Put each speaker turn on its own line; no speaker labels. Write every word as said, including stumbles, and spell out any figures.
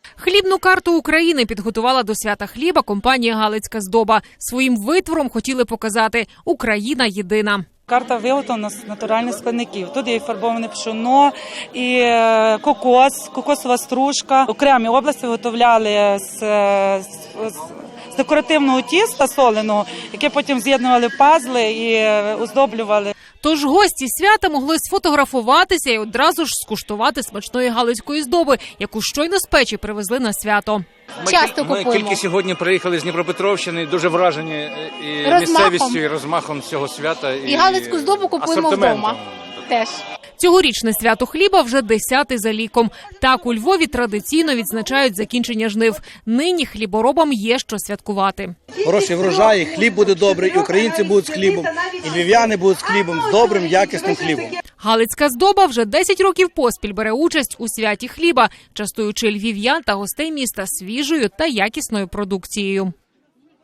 Хлібну карту України підготувала до свята хліба компанія «Галицька здоба». Своїм витвором хотіли показати – Україна єдина.
Карта виготовлена з натуральних складників. Тут є і фарбоване пшено, і кокос, кокосова стружка. Окремі області виготовляли з, з, з декоративного тіста соленого, яке потім з'єднували в пазли і оздоблювали.
Тож гості свята могли сфотографуватися і одразу ж скуштувати смачної галицької здоби, яку щойно з печі привезли на свято.
Ми,
Часто
ми
купуємо.
тільки сьогодні приїхали з Дніпропетровщини, дуже вражені і
Розмахом.
місцевістю, і розмахом цього свята. І,
І галицьку здобу купуємо
асортиментом.
вдома. Теж.
Цьогорічне свято хліба вже десяте за ліком. Так, у Львові традиційно відзначають закінчення жнив. Нині хліборобам є що святкувати.
Хороший врожай, хліб буде добрий, і українці будуть з хлібом, і львів'яни будуть з хлібом, з добрим, якісним хлібом.
Галицька здоба вже десять років поспіль бере участь у святі хліба, частуючи львів'ян та гостей міста свіжою та якісною продукцією.